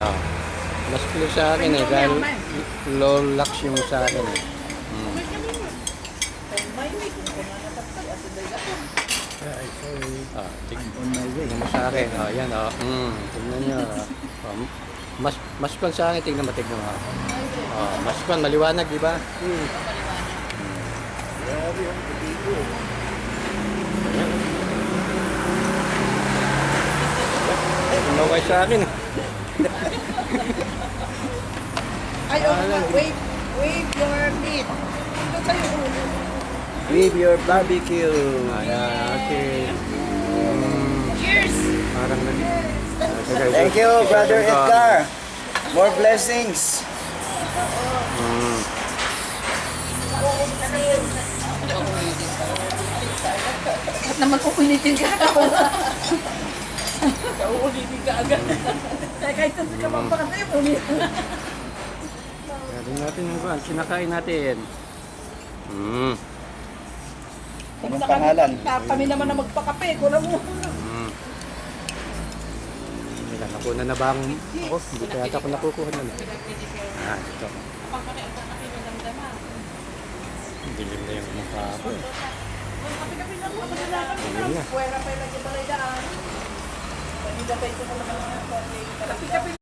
Ah, mas clear sa akin eh, dahil low lux yung sa akin eh. Tignan mo sa akin. Yan tignan nyo. Mas kwan sa akin, tignan mo. Mas kwan, maliwanag, di ba? Tumaway sa akin. Ay, wave your meat. Ito sa'yo ulo. With your barbecue. Ayan, okay. Cheers! Parang Thank you, Brother Edgar. More blessings. At naman uulitin ka. Uulitin ka agad. Kahit ito ka magpakatay, uulitin. Gawin natin yung kwan, sinakain natin. Anong pangalan? Kami naman na magpakape. Kulang mo. Nakuha na ba ang ako? Hindi kaya ako nakukuha na. Ito. Dilim na yung mukha ko eh. Dilim na. Puwera pa yung lagi balay daan. Hindi na tayo ito naman. Kapi-kapi.